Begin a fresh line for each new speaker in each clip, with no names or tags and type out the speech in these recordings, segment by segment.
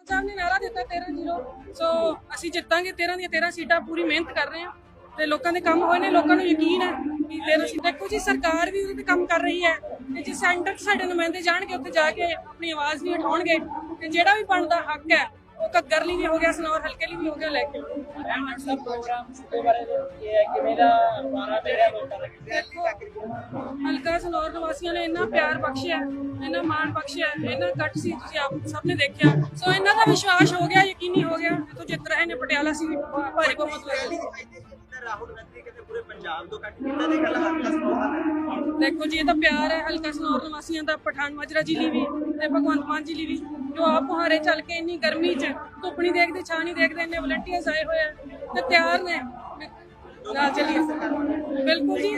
ਸਾਹਿਬ ਨੇ ਨਾਰਾ ਦਿੱਤਾ 13-0 ਸੋ ਅਸੀਂ ਜਿੱਤਾਂਗੇ 13 ਦੀਆਂ 13 ਸੀਟਾਂ ਪੂਰੀ ਮਿਹਨਤ ਕਰ ਰਹੇ ਹਾਂ ਤੇ ਲੋਕਾਂ ਦੇ ਕੰਮ ਹੋਏ ਨੇ ਲੋਕਾਂ ਨੂੰ ਯਕੀਨ ਹੈ ਕਿ 13 ਸੀਟਾਂ ਦੇਖੋ ਜੀ ਸਰਕਾਰ ਵੀ ਉਹਦੇ ਤੇ ਕੰਮ ਕਰ ਰਹੀ ਹੈ ਤੇ ਜੇ ਸੈਂਟਰ 'ਚ ਸਾਡੇ ਨੁਮਾਇੰਦੇ ਜਾਣਗੇ ਉੱਥੇ ਜਾ ਕੇ ਆਪਣੀ ਆਵਾਜ਼ ਨਹੀਂ ਉਠਾਉਣਗੇ ਤੇ ਜਿਹੜਾ ਵੀ ਬਣਦਾ ਹੱਕ ਹੈ ਉਹ ਘੱਗਰ ਲਈ ਵੀ ਹੋ ਗਿਆ ਸਨੌਰ ਹਲਕੇ ਲਈ ਵੀ ਹੋ ਗਿਆ ਲੈ ਕੇ ਹਲਕਾ ਸਨੌਰ ਨਿਵਾਸੀਆਂ ਨੇ ਇੰਨਾ ਪਿਆਰ ਬਖਸ਼ਿਆ ਇੰਨਾ ਮਾਣ ਬਖਸ਼ਿਆ ਇੰਨਾ ਕੱਟ ਸੀ ਤੁਸੀਂ ਆਪ ਸਭ ਨੇ ਦੇਖਿਆ ਸੋ ਇਹਨਾਂ ਦਾ ਵਿਸ਼ਵਾਸ ਹੋ ਗਿਆ ਯਕੀਨੀ ਹੋ ਗਿਆ ਇੱਥੋਂ ਜਿੱਤ ਰਹੇ ਨੇ ਪਟਿਆਲਾ ਸੀ ਭਾਰੀ ਬਹੁਮਤ
ਰਾਹੁਲ ਗਾਂਧੀ ਕਹਿੰਦੇ ਪੂਰੇ ਪੰਜਾਬ ਤੋਂ ਕੱਟ ਕੀਤਾ ਦੇ ਗੱਲ ਹਲਕਾ ਸਨੌਰ
ਦੇਖੋ ਜੀ ਇਹ ਤਾਂ ਪਿਆਰ ਹੈ ਹਲਕਾ ਸਨੌਰ ਨਿਵਾਸੀਆਂ ਦਾ ਪਠਾਨ ਮਾਜਰਾ ਜੀ ਲਈ ਵੀ ਤੇ ਭਗਵੰਤ ਮਾਨ ਜੀ ਲਈ ਵੀ ਜੋ ਆਪ ਮੁਹਾਰੇ ਚੱਲ ਕੇ ਇੰਨੀ ਗਰਮੀ 'ਚ ਧੁੱਪ ਨਹੀਂ ਦੇਖਦੇ ਛਾਂ ਨਹੀਂ ਦੇਖਦੇ ਇੰਨੇ ਵਲੰਟੀਅਰਸ ਆਏ ਹੋਏ ਆ ਤੇ ਤਿਆਰ ਨੇ ਨਾਲ ਚੱਲੀਏ ਬਿਲਕੁਲ ਜੀ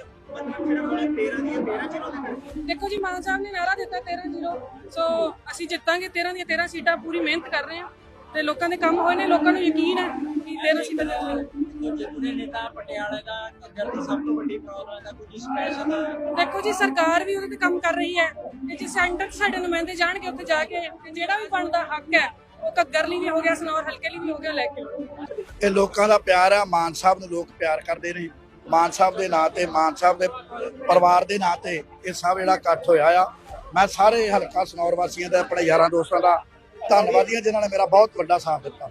ਦੇਖੋ ਜੀ ਮਾਨ ਸਾਹਿਬ ਨੇ ਨਾਰਾ ਦਿੱਤਾ 13-0 ਸੋ ਅਸੀਂ ਜਿੱਤਾਂਗੇ 13 ਦੀਆਂ 13 ਸੀਟਾਂ ਪੂਰੀ ਮਿਹਨਤ ਕਰ ਰਹੇ ਹਾਂ ਤੇ ਲੋਕਾਂ ਦੇ ਕੰਮ ਹੋਏ ਨੇ ਲੋਕਾਂ ਨੂੰ ਯਕੀਨ ਹੈ ਕਿ 13 ਸੀਟਾਂ ਜਿੱਤਾਂਗੇ
ਨੇਤਾ ਪਟਿਆਲੇ ਦਾ ਘੱਗਰ ਦੀ ਸਭ ਤੋਂ ਵੱਡੀ ਪ੍ਰੋਬਲਮ ਹੈ ਕੁਝ ਸਪੈਸ਼ਲ
ਦੇਖੋ ਜੀ ਸਰਕਾਰ ਵੀ ਉਹਦੇ ਤੇ ਕੰਮ ਕਰ ਰਹੀ ਹੈ ਤੇ ਜੇ ਸੈਂਟਰ 'ਚ ਸਾਡੇ ਨੁਮਾਇੰਦੇ ਜਾਣਗੇ ਉੱਥੇ ਜਾ ਕੇ ਤੇ ਜਿਹੜਾ ਵੀ ਬਣਦਾ ਹੱਕ ਹੈ ਉਹ ਘੱਗਰ ਲਈ ਵੀ ਹੋ ਗਿਆ ਸਨੌਰ ਹਲਕੇ ਲਈ ਵੀ ਹੋ ਗਿਆ ਲੈ ਕੇ
ਇਹ ਲੋਕਾਂ ਦਾ ਪਿਆਰ ਹੈ ਮਾਨ ਸਾਹਿਬ ਨੂੰ ਲੋਕ ਪਿਆਰ ਕਰਦੇ ਨੇ ਮਾਨ ਸਾਹਿਬ ਦੇ ਨਾਂ ਤੇ ਮਾਨ ਸਾਹਿਬ ਦੇ ਪਰਿਵਾਰ ਦੇ ਨਾਂ ਤੇ ਇਹ ਸਭ ਜਿਹੜਾ ਇਕੱਠ ਹੋਇਆ ਆ ਮੈਂ ਸਾਰੇ ਹਲਕਾ ਸਨੌਰ ਵਾਸੀਆਂ ਦਾ ਆਪਣੇ ਯਾਰਾਂ ਦੋਸਤਾਂ ਦਾ ਧੰਨਵਾਦੀ ਹਾਂ ਜਿਨ੍ਹਾਂ ਨੇ ਮੇਰਾ ਬਹੁਤ ਵੱਡਾ ਸਾਥ ਦਿੱਤਾ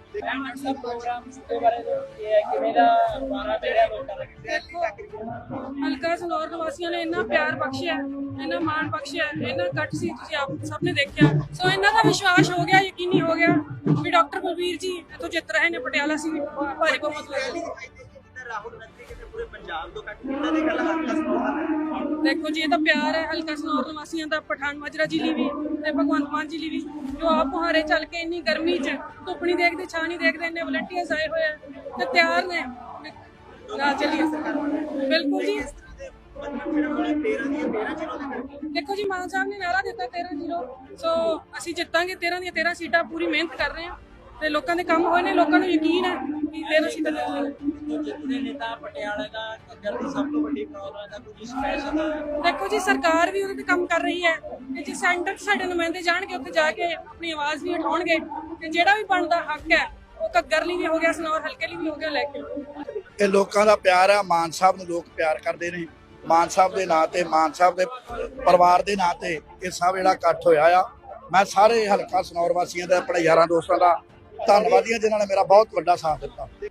ਹਲਕਾ ਸਨੌਰ ਨਿਵਾਸੀਆਂ ਨੇ ਇੰਨਾ ਪਿਆਰ ਬਖਸ਼ਿਆ ਇੰਨਾ ਮਾਣ ਬਖਸ਼ਿਆ ਇੰਨਾ ਕੱਟ ਸੀ ਤੁਸੀਂ ਆਪ ਸਭ ਨੇ ਦੇਖਿਆ ਸੋ ਇਹਨਾਂ ਦਾ ਵਿਸ਼ਵਾਸ ਹੋ ਗਿਆ ਯਕੀਨੀ ਹੋ ਗਿਆ ਵੀ ਡਾਕਟਰ ਬਲਬੀਰ ਜੀ ਇੱਥੋਂ ਜਿੱਤ ਰਹੇ ਨੇ ਪਟਿਆਲਾ ਸੀ ਭਾਰੀ ਬਹੁਮਤ
ਰਾਹੁਲ ਗਾਂਧੀ ਕਹਿੰਦੇ ਪੂਰੇ ਪੰਜਾਬ ਤੋਂ ਕੱਟ ਕੀਤਾ ਦੇ ਗੱਲ ਹਲਕਾ ਸਨੌਰ
ਦੇਖੋ ਜੀ ਇਹ ਤਾਂ ਪਿਆਰ ਹੈ ਹਲਕਾ ਸਨੌਰ ਨਿਵਾਸੀਆਂ ਦਾ ਪਠਾਨ ਮਾਜਰਾ ਜੀ ਲਈ ਵੀ ਤੇ ਭਗਵੰਤ ਮਾਨ ਜੀ ਲਈ ਵੀ ਜੋ ਆਪ ਮੁਹਾਰੇ ਚੱਲ ਕੇ ਇੰਨੀ ਗਰਮੀ 'ਚ ਧੁੱਪ ਨਹੀਂ ਦੇਖਦੇ ਛਾਂ ਨਹੀਂ ਦੇਖਦੇ ਇੰਨੇ ਵਲੰਟੀਅਰਸ ਆਏ ਹੋਏ ਆ ਤੇ ਤਿਆਰ ਨੇ ਨਾਲ ਚੱਲੀਏ ਬਿਲਕੁਲ ਜੀ ਦੇਖੋ ਜੀ ਮਾਨ ਸਾਹਿਬ ਨੇ ਨਾਰਾ ਦਿੱਤਾ 13-0 ਸੋ ਅਸੀਂ ਜਿੱਤਾਂਗੇ 13 ਦੀਆਂ 13 ਸੀਟਾਂ ਪੂਰੀ ਮਿਹਨਤ ਕਰ ਰਹੇ ਹਾਂ ਤੇ ਲੋਕਾਂ ਦੇ ਕੰਮ ਹੋਏ ਨੇ ਲੋਕਾਂ ਨੂੰ ਯਕੀਨ ਹੈ ਕਿ 13 ਸੀਟਾਂ ਜਿੱਤਾਂਗੇ
ਨੇਤਾ ਪਟਿਆਲੇ ਦਾ ਘੱਗਰ ਦੀ ਸਭ ਤੋਂ ਵੱਡੀ ਪ੍ਰੋਬਲਮ ਹੈ ਕੁਝ ਸਪੈਸ਼ਲ
ਦੇਖੋ ਜੀ ਸਰਕਾਰ ਵੀ ਉਹਦੇ ਤੇ ਕੰਮ ਕਰ ਰਹੀ ਹੈ ਤੇ ਜੇ ਸੈਂਟਰ 'ਚ ਸਾਡੇ ਨੁਮਾਇੰਦੇ ਜਾਣਗੇ ਉੱਥੇ ਜਾ ਕੇ ਆਪਣੀ ਆਵਾਜ਼ ਨਹੀਂ ਉਠਾਉਣਗੇ ਤੇ ਜਿਹੜਾ ਵੀ ਬਣਦਾ ਹੱਕ ਹੈ ਉਹ ਘੱਗਰ ਲਈ ਵੀ ਹੋ ਗਿਆ ਸਨੌਰ ਹਲਕੇ ਲਈ ਵੀ ਹੋ ਗਿਆ ਲੈ ਕੇ
ਇਹ ਲੋਕਾਂ ਦਾ ਪਿਆਰ ਹੈ ਮਾਨ ਸਾਹਿਬ ਨੂੰ ਲੋਕ ਪਿਆਰ ਕਰਦੇ ਨੇ ਮਾਨ ਸਾਹਿਬ ਦੇ ਨਾਂ ਤੇ ਮਾਨ ਸਾਹਿਬ ਦੇ ਪਰਿਵਾਰ ਦੇ ਨਾਂ ਤੇ ਇਹ ਸਭ ਜਿਹੜਾ ਇਕੱਠ ਹੋਇਆ ਆ ਮੈਂ ਸਾਰੇ ਹਲਕਾ ਸਨੌਰ ਵਾਸੀਆਂ ਦਾ ਆਪਣੇ ਯਾਰਾਂ ਦੋਸਤਾਂ ਦਾ ਧੰਨਵਾਦੀ ਹਾਂ ਜਿਨ੍ਹਾਂ ਨੇ ਮੇਰਾ ਬਹੁਤ ਵੱਡਾ ਸਾਥ ਦਿੱਤਾ